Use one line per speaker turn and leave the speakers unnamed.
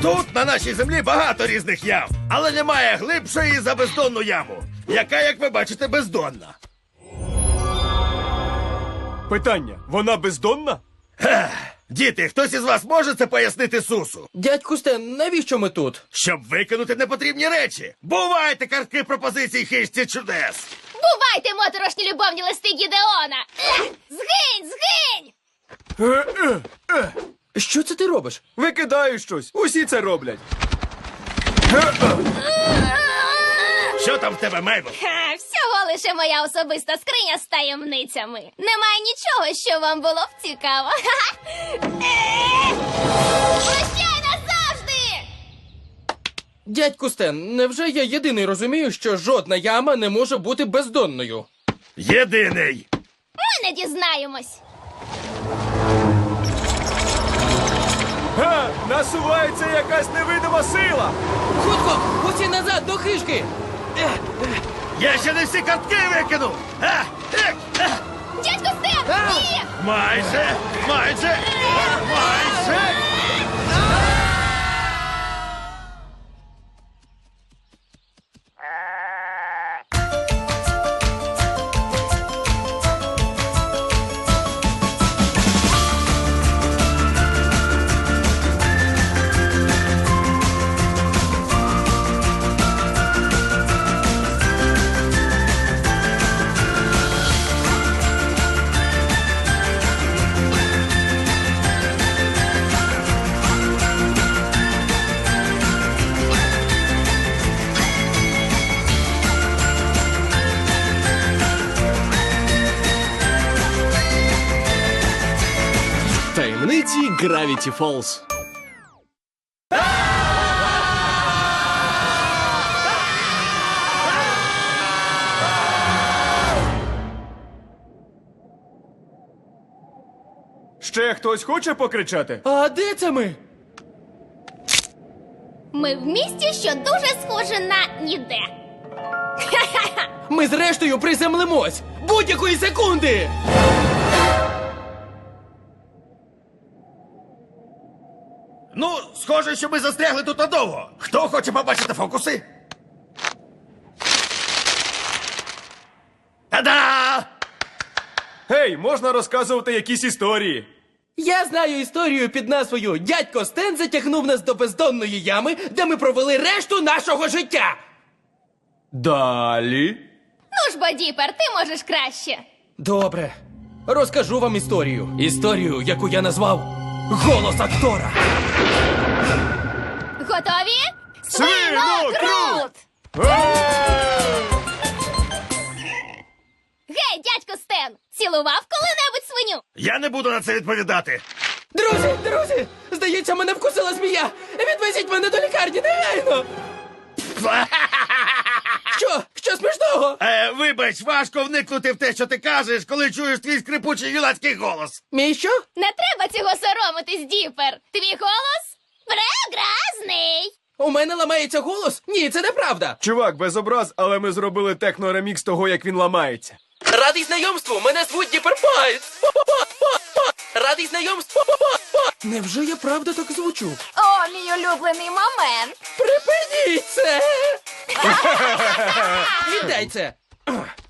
Тут, на нашій землі, багато різних ям, але немає глибшої за бездонну яму, яка, як ви бачите, бездонна.
Питання, вона бездонна?
Діти, хтось із вас може це пояснити Сусу?
Дядьку Стен, навіщо ми тут?
Щоб викинути непотрібні речі. Бувайте картки пропозицій хижці чудес.
Бувайте, моторошні любовні листи Гідеона! Згинь, згинь!
Що це ти робиш?
Викидаю щось, усі це роблять.
Що там в тебе, Мейбл?
Всього лише моя особиста скриня з таємницями. Немає нічого, що вам було б цікаво. Прощай назавжди!
Дядьку Стен, невже я єдиний розумію, що жодна яма не може бути бездонною?
Єдиний.
Ми не дізнаємось.
Насувається якась невидима сила.
Хутко, усі назад до хижки!
Я ще не всі картки викинув.
Дядько Стен, ні!
Майже.
Таємниці Gravity Falls.
Ще хтось хоче покричати?
А де це ми?
Ми в місті, що дуже схоже на ніде.
Ми зрештою приземлимось! Будь-якої секунди!
Ну, схоже, що ми застрягли тут надовго. Хто хоче побачити фокуси? Та-да!
Гей, можна розказувати якісь історії.
Я знаю історію під назвою «Дядько Стен затягнув нас до бездонної ями, де ми провели решту нашого життя».
Далі.
Ну ж, бо, Діпер, ти можеш краще.
Добре. Розкажу вам історію. Історію, яку я назвав «Голос актора».
Готові?
Свинокрут!
Гей, дядько Стен, цілував коли-небудь свиню?
Я не буду на це відповідати.
Друзі! Здається, мене вкусила змія! Відвезіть мене до лікарні негайно! Що смішного?
Вибач, важко вникнути в те, що ти кажеш, коли чуєш твій скрипучий юнацький голос.
Мій що?
Не треба цього соромитись, Діпер. Твій голос прекрасний.
У мене ламається голос? Ні, це неправда.
Чувак, без образ, але ми зробили техно-ремікс того, як він ламається.
Радий знайомству, мене звуть Діпер Пайт. Радий знайомству. Невже я правда так звучу?
О, мій улюблений момент.
Припиніть це! Віддай це!